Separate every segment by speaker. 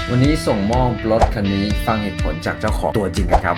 Speaker 1: วันนี้ส่งมอบรถคันนี้ฟังเหตุผลจากเจ้าของตัวจริงกันครับ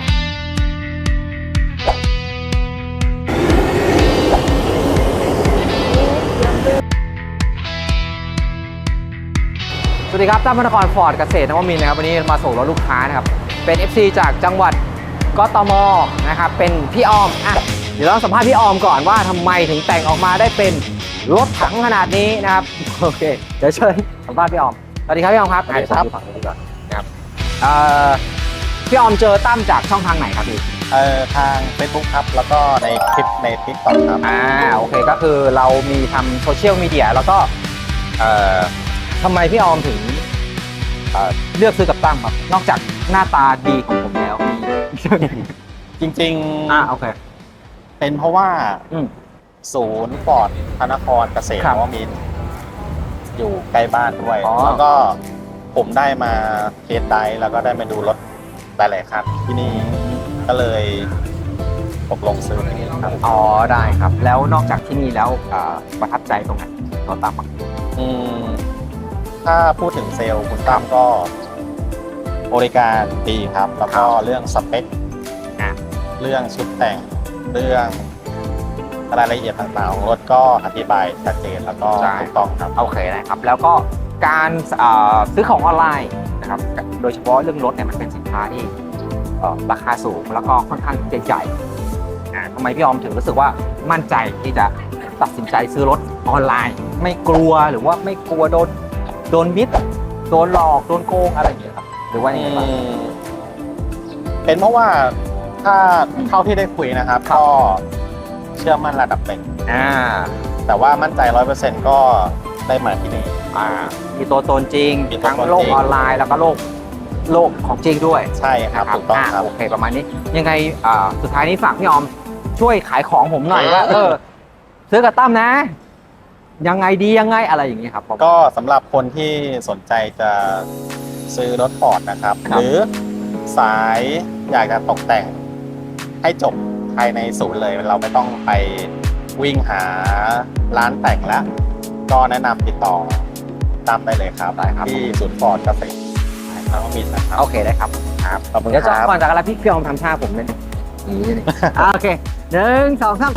Speaker 2: สวัสดีครับตั้มพนครฟอร์ดเกษตรนวมินทร์นะครับวันนี้มาส่งรถลูกค้านะครับเป็น FC จากจังหวัดกทมนะครับเป็นพี่ออมเดี๋ยวเราสัมภาษณ์พี่ออมก่อนว่าทำไมถึงแต่งออกมาได้เป็นรถถังขนาดนี้นะครับโอเคเดี๋ยวเชิญสัมภาษณ์พี่ออมสวัสดีครับพี่ออมครับ
Speaker 3: สวัสดีครับ
Speaker 2: ฝั่งนี้ก่อนนะครับพี่ออมเจอตั้มจากช่องทางไหนครับพี่
Speaker 3: ทาง Facebook ครับแล้วก็ในคลิปใน TikTok ครับ
Speaker 2: โอเคก็คือเรามีทำโซเชียลมีเดียแล้วก็ทำไมพี่ออมถึงเลือกซื้อกับตั้มครับนอกจากหน้าตาดีของผมแล้วมี
Speaker 3: จริง
Speaker 2: โอเค
Speaker 3: ๆเป็นเพราะว่า ศูนย์ฟอร์ดพระนครเกษตร
Speaker 2: ครับ
Speaker 3: นวมินทร์อยู่ใกล้บ้านด้วย
Speaker 2: อ๋อ
Speaker 3: แล้วก็ผมได้มาเทสไดรฟ์แล้วก็ได้มาดูรถหลายๆคันที่นี่ก็เลยตกลงซื้อที่นี่ครับ
Speaker 2: อ๋อได้ครับ แล้วนอกจากที่นี่แล้วประทับใจตรงไหนเราตามมา
Speaker 3: อืมถ้าพูดถึงเซลล์คุณตั้มก็บริการดีครับ แล้วก็เรื่องสเปค เรื่องชุดแต่งเรื่องรายละเอียดต่างๆของรถก็อธิบายชัดเจนแล้วก็ถูกต้องครับ
Speaker 2: โอเคนะครับแล้วก็การซื้อของออนไลน์นะครับโดยเฉพาะเรื่องรถเนี่ยมันเป็นสินค้าที่ราคาสูงแล้วก็ค่อนข้างใหญ่ทำไมพี่ออมถึงรู้สึกว่ามั่นใจที่จะตัดสินใจซื้อรถออนไลน์ ไม่กลัวหรือว่าไม่กลัวโดนมิดโดนหลอกโดนโกงอะไรอย่างเงี้ยครับหรือว่ายังไงบ้าง
Speaker 3: เป็นเพราะว่าถ้าเท่าที่ได้คุยนะครับ ก็เชื่อมั่นระดับหนึ่งแต่ว่ามั่นใจ 100% ก็ได้มาที่นี่
Speaker 2: มีตัวตนจริง
Speaker 3: มีตัวตนจริง
Speaker 2: ทั้งโลกออนไลน์แล้วก็โลกของจริงด้วย
Speaker 3: ใช่ครับถูกต้องครับ
Speaker 2: โอเคประมาณนี้ยังไงสุดท้ายนี้ฝากพี่ออมช่วยขายของผมหน่อยว่าซื้อกับตั้มนะ ยังไงดียังไงอะไรอย่างนี้ครับผม
Speaker 3: ก็สำหรับคนที่สนใจจะซื้อรถฟอร์ดนะครับ
Speaker 2: ครับ
Speaker 3: หรือสายอยากจะตกแต่งให้จบภายในศูนย์เลย เราไม่ต้องไปวิ่งหาร้านแต่งแล้ว ก็แนะนำติดต่อตามได้เลยครับ
Speaker 2: ได้ครับ
Speaker 3: ที่ศูนย์ฟอร์ดเกษตรนวมินทร์นะครับ
Speaker 2: โอเคได้ครับ
Speaker 3: ขอบคุณ
Speaker 2: เดี๋ยว
Speaker 3: ค
Speaker 2: จะ
Speaker 3: รับ
Speaker 2: ก่อนจากอะไรพี่ออมทำท่าผมเลยนี่นี่โอเค1 2 3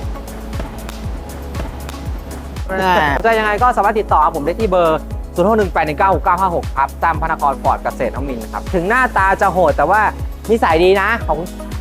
Speaker 2: จะยังไงก็สามารถติดต่อผมได้ที่เบอร์0618196956ครับตามพนครฟอร์ดเกษตรนวมินทร์ครับถึงหน้าตาจะโหดแต่ว่านิสัยดีนะของ